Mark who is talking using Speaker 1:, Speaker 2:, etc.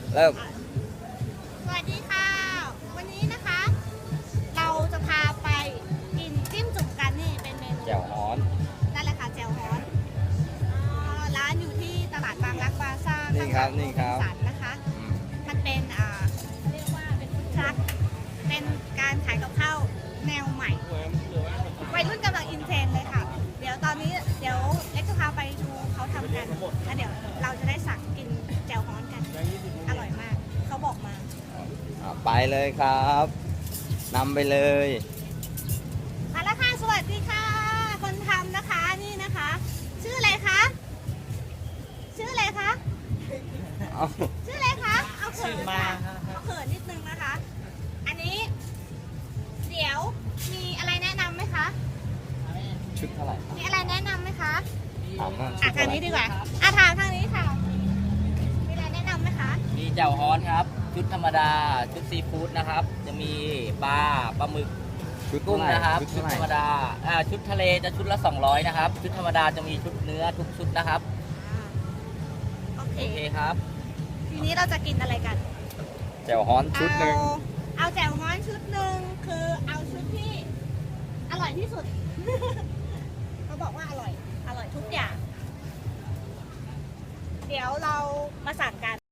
Speaker 1: เริ่ม
Speaker 2: สวัสดีค่ะ วันนี้นะคะ เราจะพาไปกินจิ้มจุ่มกันนี่เป็นเมนู
Speaker 1: แจ่วฮ้อน
Speaker 2: นั่นแหละค่ะแจ่วฮ้อนร้านอยู่ที่ตลาดบางรักบาซ่า
Speaker 1: นี่ครับนี่ครับ
Speaker 2: สันนะคะ มันเป็นเรียกว่าเป็นฟู้ดทรัคเป็นการขายกับข้าวแนวใหม่วัยรุ่นกำลังอินเทรนด์เลยค่ะ เดี๋ยวตอนนี้เดี๋ยวเล็กจะพาไปดูเขาทำกันแล้วเดี๋ยวเราจะได้สั่งกินแจ่วฮ้อนกันอร่อยมากเขาบอกมา
Speaker 1: ไปเลยครับนำไปเลย
Speaker 2: มาแล้วค่ะสวัสดีค่ะ คนทำนะคะนี่นะคะ ชื่ออะไรคะชื่ออะไรคะ
Speaker 1: เอา
Speaker 2: ชื่ออะไรคะเอาเขินค่ะเอาเขินนิดนึงนะคะ อันนี้ เดี๋ยวมีอะไรแนะนำไหมคะ
Speaker 1: ชุดเท่าไหร่
Speaker 2: มีอะไรแนะนำไหมคะ
Speaker 1: ถามว่า
Speaker 2: ทางนี้ดีกว่าถามทางนี้ค่ะมีอะไรแนะนำไหมคะ
Speaker 3: มีแจ่วฮ้อนครับ ชุดธรรมดา ชุดซีฟู้ดนะครับ จะมีปลาหมึก
Speaker 1: ชุด
Speaker 3: กุ้งนะครับ
Speaker 1: ชุด
Speaker 3: ชุด
Speaker 1: เท่าไหร่
Speaker 3: ธรรมดาชุดทะเลจะชุดละ200นะครับ ชุดธรรมดาจะมีชุดเนื้อทุกชุดนะครับ
Speaker 2: โอเค
Speaker 3: โอเคครับ
Speaker 2: ทีนี้เราจะกินอะไรกัน
Speaker 1: แจ่วฮ้อนชุดหนึ่ง
Speaker 2: เอาแจ่วฮ้อนชุดหนึ่งคือเอาชุดที่อร่อยที่สุด เขาบอกว่าอร่อยทุกอย่าง เดี๋ยวเรามาสั่งกัน